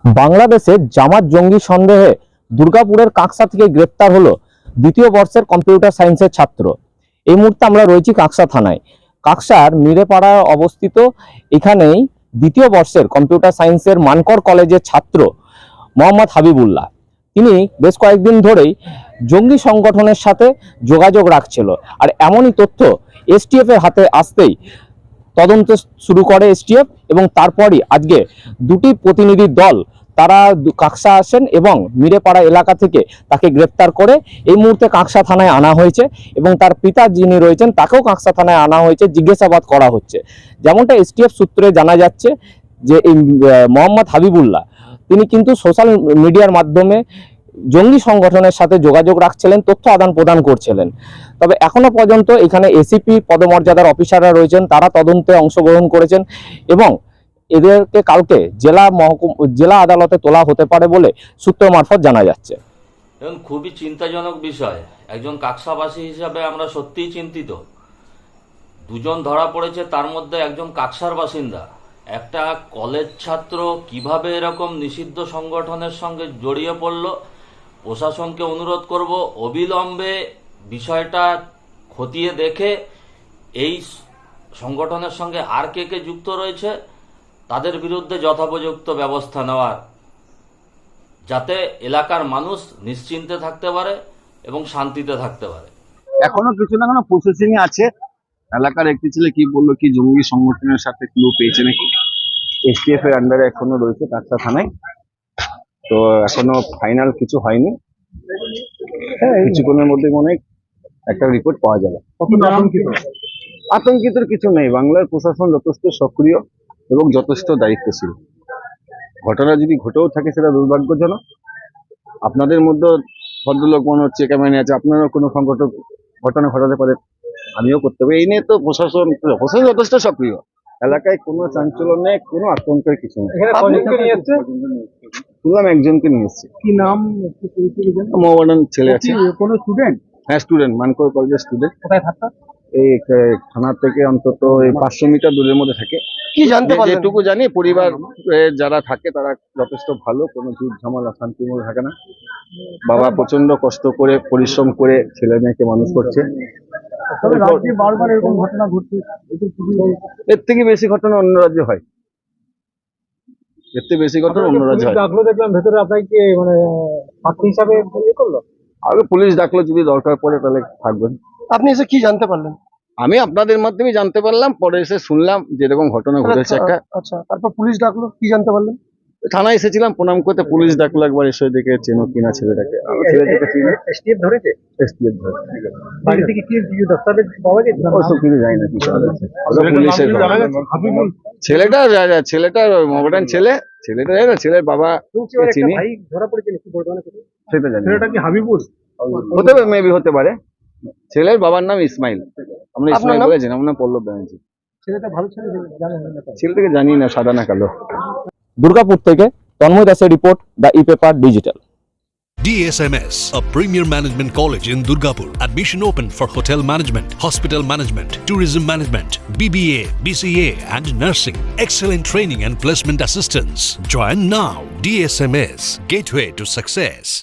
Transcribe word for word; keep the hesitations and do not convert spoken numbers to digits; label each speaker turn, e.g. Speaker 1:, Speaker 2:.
Speaker 1: বাংলাদেশের জামাত জঙ্গি সন্দেহে দুর্গাপুরের কাকসা থেকে গ্রেপ্তার হলো দ্বিতীয় বর্ষের কম্পিউটার সায়েন্সের ছাত্র। এই মুহূর্তে আমরা রয়েছি কাকসা থানায়। কাকসার মিরেপাড়ায় অবস্থিত এখানেই দ্বিতীয় বর্ষের কম্পিউটার সায়েন্সের মানকর কলেজের ছাত্র মোহাম্মদ হাবিবুল্লাহ। তিনি বেশ কয়েকদিন ধরেই জঙ্গি সংগঠনের সাথে যোগাযোগ রাখছিল, আর এমনই তথ্য এসটিএফ এর হাতে আসতেই তদন্ত শুরু করে এসটিএফ, এবং তারপরই আজকে দুটি প্রতিনিধি দল তারা কাকসা আসেন এবং মিরেপাড়া এলাকা থেকে তাকে গ্রেপ্তার করে এই মুহূর্তে কাকসা থানায় আনা হয়েছে, এবং তার পিতা যিনি রয়েছেন তাকেও কাকসা থানায় আনা হয়েছে, জিজ্ঞাসাবাদ করা হচ্ছে। যেমনটা এসটিএফ সূত্রে জানা যাচ্ছে যে এই মোহাম্মদ হাবিবুল্লাহ তিনি কিন্তু সোশ্যাল মিডিয়ার মাধ্যমে জঙ্গি সংগঠনের সাথে যোগাযোগ রাখছিলেন, তথ্য আদান প্রদান করছিলেন। তবে এখনো পর্যন্ত এখানে এসিপি পদমর্যাদার অফিসাররা রয়েছেন, তারা তদন্তে অংশগ্রহণ করেছেন এবং এদেরকে কালকে জেলা মহকুম জেলা আদালতে তোলা হতে পারে বলে সূত্র মারফত জানা যাচ্ছে।
Speaker 2: এবং খুবই চিন্তাজনক বিষয়, একজন কাকসাবাসী হিসাবে আমরা সত্যিই চিন্তিত। দুজন ধরা পড়েছে, তার মধ্যে একজন কাকসার বাসিন্দা। একটা কলেজ ছাত্র কিভাবে এরকম নিষিদ্ধ সংগঠনের সঙ্গে জড়িয়ে পড়ল, প্রশাসনকে অনুরোধ করব অবিলম্বে বিষয়টা খতিয়ে দেখে এই সংগঠনের সঙ্গে আর কে কে যুক্ত রয়েছে তাদের বিরুদ্ধে যথোপযুক্ত ব্যবস্থা নেওয়ার, যাতে এলাকার মানুষ নিশ্চিন্তে থাকতে পারে এবং শান্তিতে থাকতে পারে।
Speaker 3: এখনো কিছু না কোনো প্রসেসিং আছে। এলাকার একটি ছেলে কি বললো কি জঙ্গি সংগঠনের সাথে ক্লু পেয়েছে নাকি, এসটিএফ এর আন্ডারে এখনো রয়েছে কাকসা থানায়। তো এখনো ফাইনাল কিছু হয়নি, কিছুক্ষণের মধ্যে মনে হয় একটা রিপোর্ট পাওয়া যাবে। আতঙ্কিত কিছু নেই, বাংলার প্রশাসন যথেষ্ট সক্রিয় এবং যথেষ্ট দায়িত্বশীল। ঘটনা যদি ঘটেও থাকে সেটা দুর্ভাগ্যজনক। আপনাদের মধ্যে ভদ্রলোক মনে হচ্ছে ক্যামেরা আছে, আপনারও কোনো সংগঠন ঘটনা ঘটাতে পারে, আমিও করতে পারি। এই নিয়ে তো প্রশাসন প্রশাসন যথেষ্ট সক্রিয়। এলাকায় কোনো চাঞ্চল্য নেই, কোনো আতঙ্কের কিছু নেই। শুনলাম একজনকে নিয়ে এসছে।
Speaker 4: কি নাম?
Speaker 3: মোহামেডান ছেলে আছে।
Speaker 4: কোনো স্টুডেন্ট?
Speaker 3: হ্যাঁ, স্টুডেন্ট, মানকর কলেজের স্টুডেন্ট।
Speaker 4: কোথায় থাকতো?
Speaker 3: এই থানা থেকে অন্তত এই পাঁচশো মিটার দূরের মধ্যে থাকে।
Speaker 4: কি জানতে পারলেন?
Speaker 3: যেটুকু জানি পরিবার যারা থাকে তারা যথেষ্ট ভালো, কোনো ঝুট ঝামেলা শান্তির মধ্যে থাকে না। বাবা প্রচন্ড কষ্ট করে পরিশ্রম করে ছেলে মেয়েকে মানুষ করছে।
Speaker 4: তবে রাজ্যে বারবার এরকম ঘটনা ঘটছে,
Speaker 3: এর থেকে বেশি ঘটনা অন্য রাজ্যে হয়, এর থেকে বেশি ঘটনা অন্য রাজ্যে হয়।
Speaker 4: ডাকলো দেখলাম ভেতরে, আপনাকে মানে ছাত্রী হিসাবে ইয়ে করলো?
Speaker 3: আগে পুলিশ ডাকলো, যদি দরকার পড়ে তাহলে থাকবেন।
Speaker 4: আপনি এসে কি জানতে পারলেন?
Speaker 3: আমি আপনাদের মাধ্যমে জানতে পারলাম, পরে এসে শুনলাম যেরকম ঘটনা ঘটেছে একটা।
Speaker 4: আচ্ছা, তারপর পুলিশ ডাকলো, কি জানতে পারলেন?
Speaker 3: থানায় এসেছিলাম প্রণাম করতে, পুলিশ ডাকলো একবার, এসে দেখে চেনো কিনা ছেলেটাকে। আমি ছেলেটাকে চিনি।
Speaker 4: এসটিএফ ধরেছে?
Speaker 3: এসটিএফ ধরে
Speaker 4: বাড়ি থেকে কি দস্তাবেজ পাওয়া গেছে?
Speaker 3: ওসব কিছু জানি না কি করা যাচ্ছে। পুলিশের ছেলেটা ছেলেটা মোহামেডান ছেলে, ছেলেটা জানি না, ছেলের বাবা চিনি।
Speaker 4: ভাই ধরা পড়েছে নাকি বর্তমানে?
Speaker 3: সেটা জানি।
Speaker 4: ছেলেটা কি হাবিবুল
Speaker 3: হতে পারে, মেবি হতে পারে। ছেলের বাবার নাম ইসমাইল, আমরা ইসমাইল বলেছি, আমার নাম পল্লব ব্যানার্জি।
Speaker 4: ছেলেটা ভালো ছেলে, জানেন না?
Speaker 3: ছেলেটাকে জানি না, সাদা না কালো।
Speaker 1: দুর্গাপুর থেকে তন্ময় দাসের report, the e paper digital.
Speaker 5: D S M S, a premier management college in Durgapur. Admission open for hotel management, hospital management, tourism management, B B A, B C A and nursing. Excellent training and placement assistance. Join now. D S M S, gateway to success.